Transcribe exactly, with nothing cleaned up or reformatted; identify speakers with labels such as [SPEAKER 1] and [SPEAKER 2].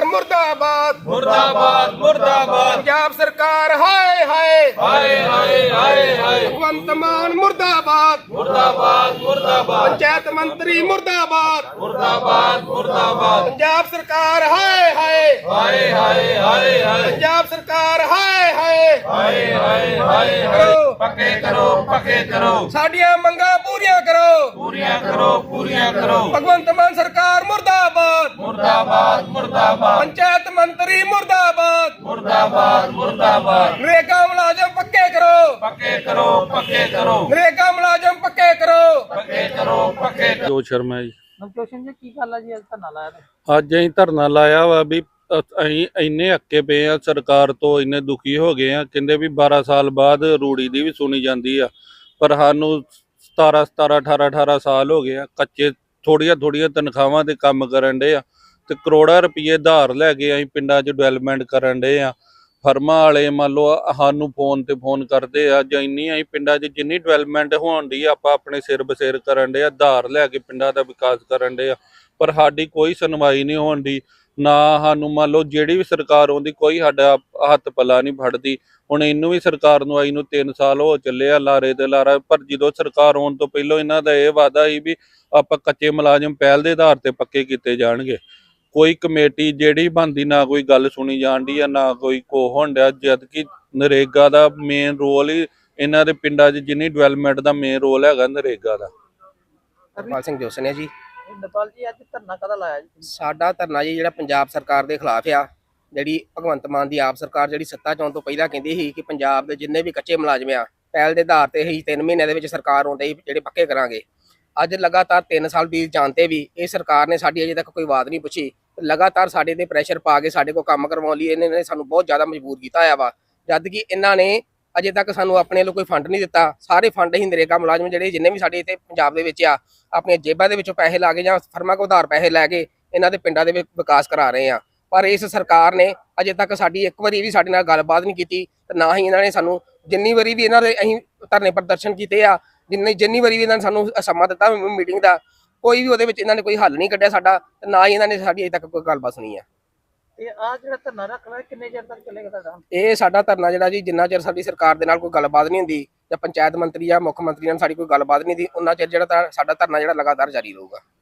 [SPEAKER 1] मुर्दाबाद
[SPEAKER 2] मुर्दाबाद मुर्दाबाद
[SPEAKER 1] पंजाब सरकार हाय हाय
[SPEAKER 2] हाय हाय हाय हाय
[SPEAKER 1] भगवंत मान मुर्दाबाद
[SPEAKER 2] मुर्दाबाद मुर्दाबाद
[SPEAKER 1] पंचायत मंत्री मुर्दाबाद
[SPEAKER 2] मुर्दाबाद मुर्दाबाद
[SPEAKER 1] पंजाब सरकार हाय हाय
[SPEAKER 2] हाय हाय हाय हाय
[SPEAKER 1] पंजाब सरकार हाय हाय
[SPEAKER 2] हाय हाय हाय हाय पक्के करो पक्के करो
[SPEAKER 1] साडियां मंगां पूरियां करो
[SPEAKER 2] पूरियां करो पूरियां करो
[SPEAKER 1] भगवंत मान सरकार मुर्दाबाद
[SPEAKER 2] मुर्दाबाद मुर्दाबाद
[SPEAKER 1] पंचायत मंत्री मुर्दाबाद
[SPEAKER 2] मुर्दाबाद मुर्दाबाद
[SPEAKER 1] नरेगा मुलाजम पक्के करो
[SPEAKER 2] पक्के करो पक्के करो
[SPEAKER 1] नरेगा मुलाजम पक्के करो
[SPEAKER 2] पक्के करो पक्के करो।
[SPEAKER 3] ਜੋ ਸ਼ਰਮਾ ਜੀ
[SPEAKER 4] ਨਵਜੋਸ਼ਨ ਜੀ ਕੀ ਗੱਲ ਆ ਜੀ ਅੱਜ ਧਰਨਾ ਲਾਇਆ ਤੇ
[SPEAKER 3] ਅੱਜ ਅਸੀਂ ਧਰਨਾ ਲਾਇਆ ਵਾ ਵੀ ਅ- ਅਸੀਂ ਇੰਨੇ ਅੱਕੇ ਪਏ ਆ ਸਰਕਾਰ ਤੋਂ, ਇੰਨੇ ਦੁਖੀ ਹੋ ਗਏ ਆ। ਕਹਿੰਦੇ ਵੀ ਬਾਰਾਂ ਸਾਲ ਬਾਅਦ ਰੂੜੀ ਦੀ ਵੀ ਸੁਣੀ ਜਾਂਦੀ ਆ, ਪਰ ਸਾਨੂੰ ਸਤਾਰਾਂ ਸਤਾਰਾਂ ਅਠਾਰਾਂ ਅਠਾਰਾਂ ਸਾਲ ਹੋ ਗਏ ਆ ਕੱਚੇ ਥੋੜੀਆਂ ਥੋੜੀਆਂ ਤਨਖਾਹਾਂ ਤੇ ਕੰਮ ਕਰਨ ਡੇ ਆ ਤੇ ਕਰੋੜਾਂ ਰੁਪਏ ਧਾਰ ਲੈ ਕੇ ਅਸੀਂ ਪਿੰਡਾਂ 'ਚ ਡਿਵੈਲਪਮੈਂਟ ਕਰਨ ਡੇ ਆ। ਫਰਮਾਂ ਵਾਲੇ ਮੰਨ ਲਓ ਸਾਨੂੰ ਫੋਨ ਤੇ ਫੋਨ ਕਰਦੇ ਆ ਜਾਂ ਇੰਨੀ ਅਸੀਂ ਪਿੰਡਾਂ 'ਚ ਜਿੰਨੀ ਡਿਵੈਲਪਮੈਂਟ ਹੋਣ ਦੀ ਆਪਾਂ ਆਪਣੇ ਸਿਰ ਬਸੇਰ ਕਰਨ ਡੇ ਆ, ਧਾਰ ਲੈ ਕੇ ਪਿੰਡਾਂ ਦਾ ਵਿਕਾਸ ਕਰਨ ਡੇ ਆ, ਪਰ ਸਾਡੀ ਕੋਈ ਸੁਣਵਾਈ ਨਹੀਂ ਹੋਣ ਦੀ। ਨਾ ਸਾਨੂੰ ਮੰਨ ਲਓ ਜਿਹੜੀ ਵੀ ਸਰਕਾਰ ਆਉਂਦੀ ਕੋਈ ਸਾਡਾ ਹੱਥ ਪੱਲਾ ਨਹੀਂ ਫੜਦੀ। ਹੁਣ ਇਹਨੂੰ ਵੀ ਸਰਕਾਰ ਨੂੰ ਆਈ ਨੂੰ ਤਿੰਨ ਸਾਲ ਹੋ ਚੱਲੇ ਆ ਲਾਰੇ ਤੇ ਲਾਰਾ, ਪਰ ਜਦੋਂ ਸਰਕਾਰ ਆਉਣ ਤੋਂ ਪਹਿਲਾਂ ਇਹਨਾਂ ਦਾ ਇਹ ਵਾਅਦਾ ਸੀ ਵੀ ਆਪਾਂ ਕੱਚੇ ਮੁਲਾਜ਼ਮ ਪਹਿਲ ਦੇ ਆਧਾਰ ਤੇ ਪੱਕੇ ਕੀਤੇ ਜਾਣਗੇ। ਕੋਈ ਕਮੇਟੀ ਜਿਹੜੀ ਬਣਦੀ ਨਾ ਕੋਈ ਗੱਲ ਸੁਣੀ ਜਾਂਦੀ ਆ, ਨਾ ਕੋਈ ਕੋ ਹੋਣ ਡਿਆ, ਜਦ ਕਿ ਨਰੇਗਾ ਦਾ ਮੇਨ ਰੋਲ ਹੀ ਇਹਨਾਂ ਦੇ ਪਿੰਡਾਂ 'ਚ ਜਿੰਨੀ ਡਿਵੈਲਪਮੈਂਟ ਦਾ ਮੇਨ ਰੋਲ ਹੈਗਾ ਨਰੇਗਾ ਦਾ।
[SPEAKER 1] ਹਰਪਾਲ ਸਿੰਘ ਜੋਸਨ ਹੈ ਜੀ।
[SPEAKER 4] ਨੇਪਾਲ ਜੀ ਅੱਜ ਧਰਨਾ ਕਦਾ ਲਾਇਆ ਜੀ
[SPEAKER 1] ਸਾਡਾ ਧਰਨਾ ਜੀ ਜਿਹੜਾ ਪੰਜਾਬ ਸਰਕਾਰ ਦੇ ਖਿਲਾਫ ਆ, ਜਿਹੜੀ ਭਗਵੰਤ ਮਾਨ ਦੀ ਆਪ ਸਰਕਾਰ ਜਿਹੜੀ ਸੱਤਾ 'ਚ ਆਉਣ ਤੋਂ ਪਹਿਲਾਂ ਕਹਿੰਦੀ ਸੀ ਕਿ ਪੰਜਾਬ ਦੇ ਜਿੰਨੇ ਵੀ ਕੱਚੇ ਮੁਲਾਜ਼ਮ ਆ ਪਹਿਲ ਦੇ ਆਧਾਰ ਤੇ ਹੀ ਤਿੰਨ ਮਹੀਨਿਆਂ ਦੇ ਵਿੱਚ ਸਰਕਾਰ ਆਉਂਦੇ ਹੀ ਜਿਹੜੇ ਪੱਕੇ ਕਰਾਂਗੇ। ਅੱਜ ਲਗਾਤਾਰ ਤਿੰਨ ਸਾਲ ਬੀਤ ਜਾਣ ਤੇ ਵੀ ਇਹ ਸਰਕਾਰ ਨੇ ਸਾਡੀ ਅਜੇ ਤੱਕ ਕੋਈ ਬਾਤ ਨਹੀਂ ਪੁੱਛੀ। ਲਗਾਤਾਰ ਸਾਡੇ ਤੇ ਪ੍ਰੈਸ਼ਰ ਪਾ ਕੇ ਸਾਡੇ ਕੋਲ ਕੰਮ ਕਰਵਾਉਣ ਲਈ ਇਹਨਾਂ ਨੇ ਸਾਨੂੰ ਬਹੁਤ ਜ਼ਿਆਦਾ ਮਜਬੂਰ ਕੀਤਾ ਹੋਇਆ ਵਾ, ਜਦ ਕਿ ਇਹਨਾਂ ਨੇ ਅਜੇ ਤੱਕ ਸਾਨੂੰ ਆਪਣੇ ਵੱਲੋਂ ਕੋਈ ਫੰਡ ਨਹੀਂ ਦਿੱਤਾ। ਸਾਰੇ ਫੰਡ ਹੀ ਨਰੇਗਾ ਮੁਲਾਜ਼ਮ ਜਿਹੜੇ ਜਿੰਨੇ ਵੀ ਸਾਡੇ ਇੱਥੇ ਪੰਜਾਬ ਦੇ ਵਿੱਚ ਆ ਆਪਣੀਆਂ ਜੇਬਾਂ ਦੇ ਵਿੱਚੋਂ ਪੈਸੇ ਲਾ ਕੇ ਜਾਂ ਫਰਮਾਂ ਕੋਲ ਉਧਾਰ ਪੈਸੇ ਲੈ ਕੇ ਇਹਨਾਂ ਦੇ ਪਿੰਡਾਂ ਦੇ ਵਿੱਚ ਵਿਕਾਸ ਕਰਾ ਰਹੇ ਆ। ਪਰ ਇਸ ਸਰਕਾਰ ਨੇ ਅਜੇ ਤੱਕ ਸਾਡੀ ਇੱਕ ਵਾਰੀ ਵੀ ਸਾਡੇ ਨਾਲ ਗੱਲਬਾਤ ਨਹੀਂ ਕੀਤੀ ਤੇ ਨਾ ਹੀ ਇਹਨਾਂ ਨੇ ਸਾਨੂੰ ਜਿੰਨੀ ਵਾਰੀ ਵੀ ਇਹਨਾਂ ਦੇ ਅਸੀਂ ਧਰਨੇ ਪ੍ਰਦਰਸ਼ਨ ਕੀਤੇ ਆ, ਜਿੰਨੀ ਜਿੰਨੀ ਵਾਰੀ ਵੀ ਇਹਨਾਂ ਨੇ ਸਾਨੂੰ ਸਮਾਂ ਦਿੱਤਾ ਮੀਟਿੰਗ ਦਾ, ਕੋਈ ਵੀ ਉਹਦੇ ਵਿੱਚ ਇਹਨਾਂ ਨੇ ਕੋਈ ਹੱਲ ਨਹੀਂ ਕੱਢਿਆ ਸਾਡਾ, ਤੇ ਨਾ ਹੀ ਇਹਨਾਂ ਨੇ ਸਾਡੀ ਅਜੇ ਤੱਕ ਕੋਈ ਗੱਲਬਾਤ ਸੁਣੀ ਆ।
[SPEAKER 4] ਇਹ ਆ ਜਿਹੜਾ ਧਰਨਾ ਰੱਖ ਲਿਆ ਕਿੰਨੇ ਚਿਰ ਤੱਕ ਚੱਲੇਗਾ ਤੁਹਾਡਾ?
[SPEAKER 1] ਇਹ ਸਾਡਾ ਧਰਨਾ ਜਿਹੜਾ ਜੀ ਜਿੰਨਾ ਚਿਰ ਸਾਡੀ ਸਰਕਾਰ ਦੇ ਨਾਲ ਕੋਈ ਗੱਲਬਾਤ ਨਹੀਂ ਹੁੰਦੀ ਜਾਂ ਪੰਚਾਇਤ ਮੰਤਰੀ ਜਾਂ ਮੁੱਖ ਮੰਤਰੀ ਨਾਲ ਸਾਡੀ ਕੋਈ ਗੱਲਬਾਤ ਨਹੀਂ ਹੁੰਦੀ, ਉਹਨਾਂ ਚਿਰ ਜਿਹੜਾ ਸਾਡਾ ਧਰਨਾ ਜਿਹੜਾ ਲਗਾਤਾਰ ਜਾਰੀ ਰਹੂਗਾ।